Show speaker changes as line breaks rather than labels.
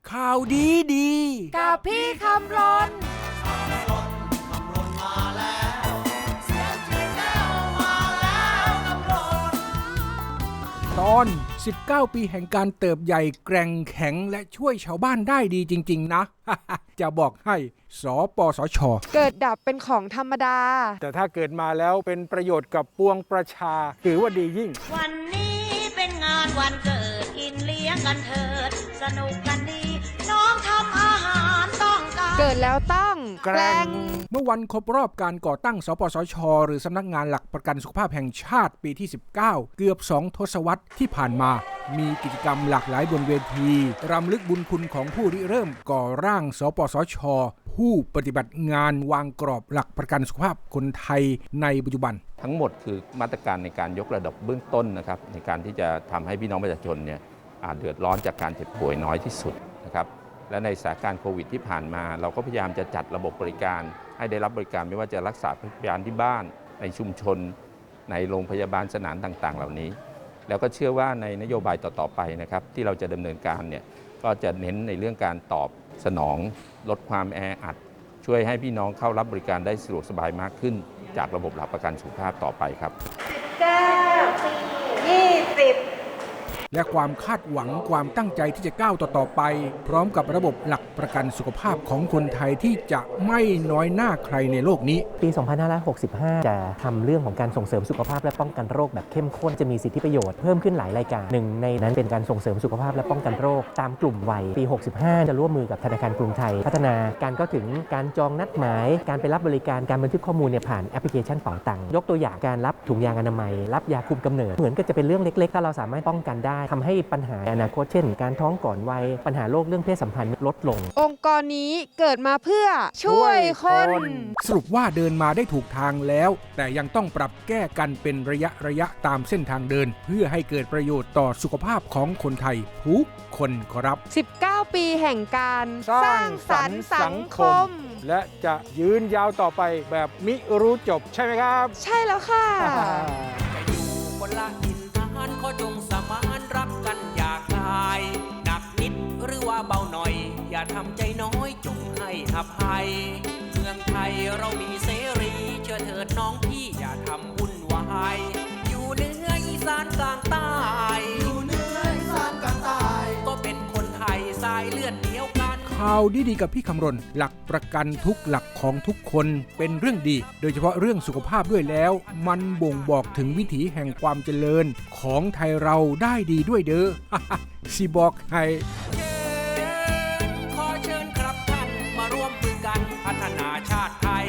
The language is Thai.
ข่าวดีดี
กับพี่คำรน
ตอน19 ปีแห่งการเติบใหญ่แกร่งแข็งและช่วยชาวบ้านได้ดีจริงๆนะ จะบอกให้สปสช.
เกิดดับเป็นของธรรมดา
แต่ถ้าเกิดมาแล้วเป็นประโยชน์กับปวงประชาถือว่าดียิ่ง
วันนี้เป็นงานวันเกิดกินเลี้ยงกันเถิดสนุกกันดีน้องทำอาหารต้องการ
เกิดแล้วต้องแกร่ง
เมื่อวันครบรอบการก่อตั้งสปสช.หรือสำนักงานหลักประกันสุขภาพแห่งชาติปีที่19เกือบ2 ทศวรรษที่ผ่านมามีกิจกรรมหลากหลายบนเวทีรำลึกบุญคุณของผู้ริเริ่มก่อร่างสปสช.ผู้ปฏิบัติงานวางกรอบหลักประกันสุขภาพคนไทยในปัจจุบัน
ทั้งหมดคือมาตรการในการยกระดับเบื้องต้นนะครับในการที่จะทำให้พี่น้องประชาชนเนี่ยเดือดร้อนจากการเจ็บป่วยน้อยที่สุดนะครับและในสถานการณ์โควิดที่ผ่านมาเราก็พยายามจะจัดระบบบริการให้ได้รับบริการไม่ว่าจะรักษาพยาบาลที่บ้านในชุมชนในโรงพยาบาลสนามต่างๆเหล่านี้แล้วก็เชื่อว่าในนโยบายต่อๆไปนะครับที่เราจะดำเนินการเนี่ยก็จะเน้นในเรื่องการตอบสนองลดความแออัดช่วยให้พี่น้องเข้ารับบริการได้สะดวกสบายมากขึ้นจากระบบหลักประกันสุขภาพต่อไปครับ
และความคาดหวังความตั้งใจที่จะก้าวต่อไปพร้อมกับระบบหลักประกันสุขภาพของคนไทยที่จะไม่น้อยหน้าใครในโลกนี้
ปี 2565 จะทำเรื่องของการส่งเสริมสุขภาพและป้องกันโรคแบบเข้มข้นจะมีสิทธิประโยชน์เพิ่มขึ้นหลายรายการหนึ่งในนั้นเป็นการส่งเสริมสุขภาพและป้องกันโรคตามกลุ่มวัยปี 65 จะร่วมมือกับธนาคารกรุงไทยพัฒนาการเข้าถึงการจองนัดหมายการไปรับบริการการบันทึกข้อมูลผ่านแอปพลิเคชันเป๋าตังค์ยกตัวอย่างการรับถุงยางอนามัยรับยาคุมกำเนิดเหมือนก็จะเป็นเรื่องเล็กๆถ้าเราสามารถป้องกันได้ทำให้ปัญหาอนาคตเช่นการท้องก่อนวัยปัญหาโรคเรื่องเพศสัมพันธ์ลดลง
องค์กรนี้เกิดมาเพื่อช่วยคน
สรุปว่าเดินมาได้ถูกทางแล้วแต่ยังต้องปรับแก้กันเป็นระยะตามเส้นทางเดินเพื่อให้เกิดประโยชน์ต่อสุขภาพของคนไทยทุกคนครับ
19 ปีแห่งการสร้างสรรค์สังคม
และจะยืนยาวต่อไปแบบมิรู้จบใช่ไหมครับ
ใช่แล้วค่ะ
จะอยู่คนละถิ่นฐานขอจงสมานรักกันอย่าคลายหนักนิดหรือว่าเบาหน่อยอย่าทำใจน้อยจงให้อภัยเมืองไทยเรามีเสรีเชื่อเถิดน้องพี่อย่าทำวุ่นวายอยู่เหนืออีสานกลางใต้ก็เป็นคนไทยสายเลือดเดียวกัน
ข่าวดีๆกับพี่คำรณหลักประกันทุกหลักของทุกคนเป็นเรื่องดีโดยเฉพาะเรื่องสุขภาพด้วยแล้วมันบ่งบอกถึงวิถีแห่งความเจริญของไทยเราได้ดีด้วยเด้อ สิบอกให้
ขอเชิญครับท่านมาร่วมมือกันพัฒนาชาติไทย